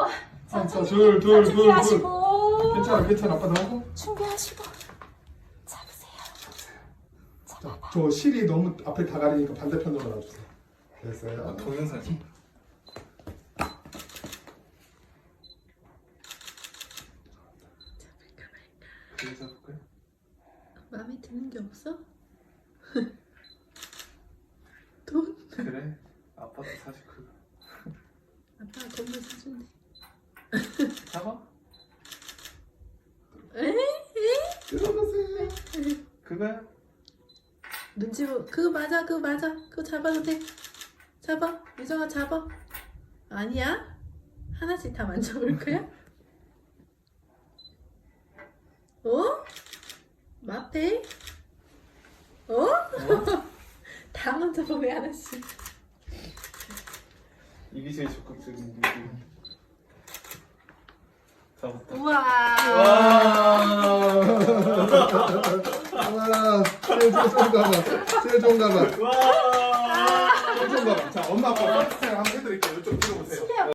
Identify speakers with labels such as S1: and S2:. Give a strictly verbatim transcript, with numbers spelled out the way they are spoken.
S1: 자,
S2: 천천히
S1: 둘, 둘, 둘,
S2: 준비하시고.
S1: 괜찮아, 괜찮아. 아빠 나오고.
S2: 준비하시고. 잡으세요.
S1: 자, 저 실이 너무 앞에 다 가리니까 반대편으로 놔주세요. 됐어요.
S3: 동영상 찍. 그래 잡을까요?
S2: 마음에 드는 게 없어? 돈?
S3: 그래. 아빠도 사실 그거.
S2: 아빠가 돈만 사준대.
S3: 잡아.
S2: 에?
S1: 들어가세요.
S3: 그거야.
S2: 눈치 보. 그거 맞아, 그거 맞아. 그거 잡아도 돼. 잡아. 유정아 잡아. 아니야? 하나씩 다 만져볼 거야? 어? 마페? 어? 다 만져봐 왜 하나씩?
S3: 이게 제일 적극적인 게. 잡았다.
S2: 우와.
S1: 와. 와. 제일 좋은가 봐. 제일 좋은가 봐.
S3: 와.
S1: 제일 좋은가 봐. 자, 엄마 아빠 퍼스트 한번 해드릴게요. 이쪽 들어보세요.